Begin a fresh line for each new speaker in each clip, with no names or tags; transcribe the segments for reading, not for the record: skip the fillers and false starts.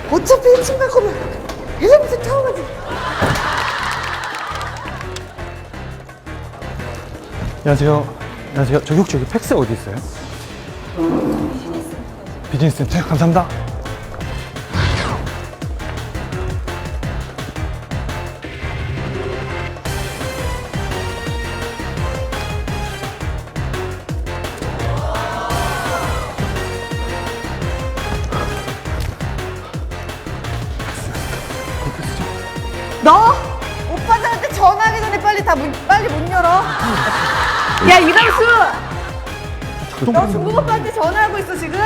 어차피 1층 갈 거면 엘리베이터 타고 가지.
안녕하세요. 안녕하세요. 저기 혹시 여기 팩스 어디 있어요? 비즈니스 센터. 감사합니다.
너 오빠들한테 전화하기 전에 빨리 문 열어. 야 이강수, 너 중국 오빠한테 전화하고 있어 지금?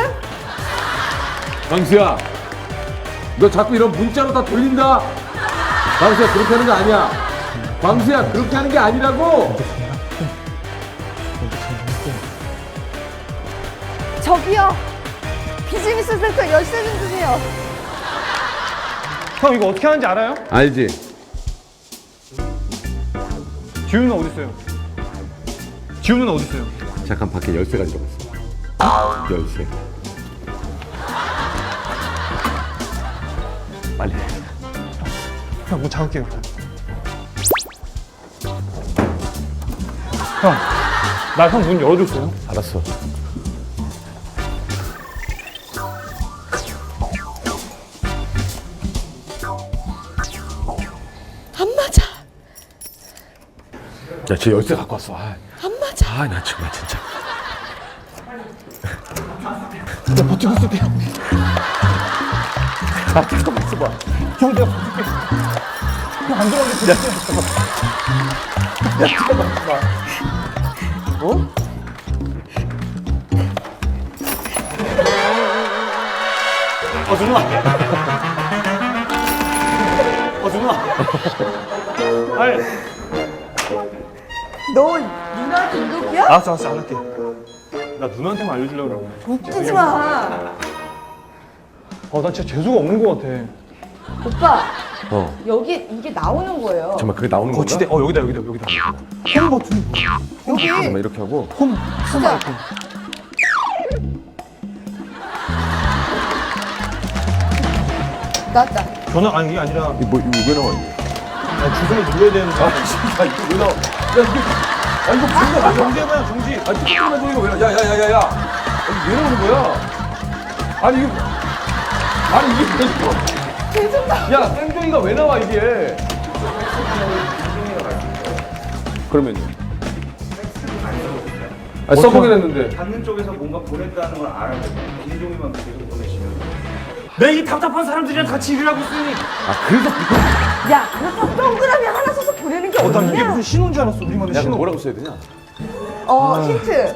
광수야, 너 자꾸 이런 문자로 다 돌린다. 광수야, 그렇게 하는 거 아니야. 광수야, 그렇게 하는 게 아니라고.
저기요, 비즈니스 센터 열쇠 좀 주세요.
형 이거 어떻게 하는지 알아요?
알지?
지우는 어디 있어요? 지우는 어디 있어요?
잠깐 밖에 열쇠 가지러 갔어. 열쇠. 빨리.
형 문 잡을게요. 형, 나 형 문 열어줬어요?
알았어.
안 맞아.
야, 쟤 열쇠 갖고 왔어.
안 맞아.
나 정말 진짜.
나 버티고 있을게.
잠깐만 있어봐.
형 내가 버틸게. 형 안 들어가게 버틸게.
잠깐만 있어봐. 어?
누나. 누나. 아니.
너 누나 등급이야?
알았어, 안 할게. 나 누나한테만 알려주려고 그러고.
웃기지 마.
나 진짜 재수가 없는 것 같아.
오빠,
어.
여기 이게 나오는 거예요.
정말 그게 나오는 건가?
거치대. 여기다. 홈 버튼.
여기
잠깐만 이렇게 하고.
홈.
진짜. 나왔다.
전화 아니 이게 아니라
이거 왜 나와 이게?
주소를 눌러야 되는데.
야, 이거 왜 나와? 야, 이게. 이거 뭔가
정지해봐요, 정지.
잠깐만 소리가 왜 나와? 야야야야야. 왜 나오는 거야? 아니 이게 왜 나와?
죄송합니다.
야, 땡땡이가 왜 나와 이게? 그러면요? 써보긴 했는데.
받는 쪽에서 뭔가 보냈다는 걸 알아야 돼요. 김종이만 계속 보내시면.
내 이 답답한 사람들이랑 같이 일을 하고 있으니.
그래서
야, 그렇다고 동그라미 하나 써서 보내는 게
난 이게
어디냐?
무슨 신호인 줄 알았어. 우리만의
야,
신호.
뭐라고 써야 되냐?
힌트.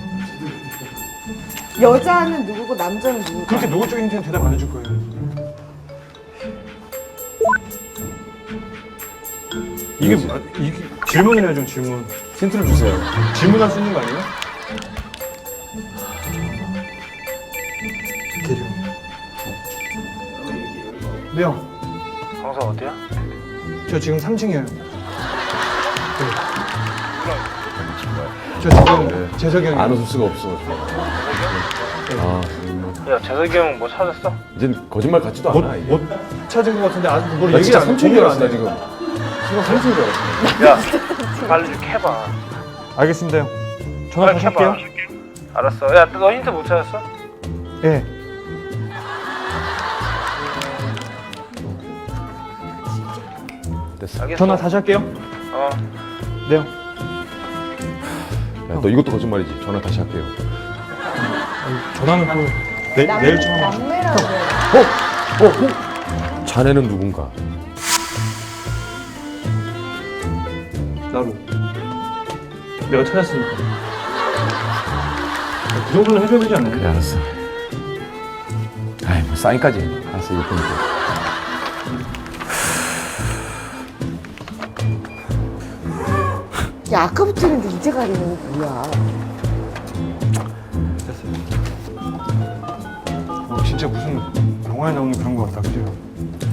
여자는 누구고 남자는 누구고?
그렇게 노골적인 힌트는 대답 안 해줄 거예요. 이게 질문을 해야죠, 질문.
힌트를 주세요.
질문할 수 있는 거 아니에요? 대령. 네, 형.
강사 어디야?
저 지금 3층이에요. 네. 저 지금 재석이 형이
안 웃을 수가 없어.
야 재석이 형 뭐 찾았어?
이젠 거짓말 같지도 않아. 이게.
못 찾은 것 같은데 아직 뭘
나
얘기
진짜
안 해.
삼촌인 줄 알았어, 나
안 해.
지금. 지금 삼촌인 줄 알았어.
야 빨리 좀 캐봐.
알겠습니다, 형. 전화 다시 할게요.
알았어. 야 너 힌트 못 찾았어?
예.
됐어.
알겠어.
전화 다시 할게요.
어.
네, 형.
야, 너 이것도 거짓말이지. 전화 다시 할게요.
전화는 또 내일 전화.
남매라고 그래.
자네는 누군가?
나로. 내가 찾았으니까. 그 정도는 해줘야 되지 않나요?
그래, 알았어. 아이, 뭐 사인까지. 알았어, 이거 보니까.
야, 아까부터 했는데 이제 가리는 게 뭐야?
됐어요. 진짜 무슨 영화에 나오는 그런 거 같다, 그죠?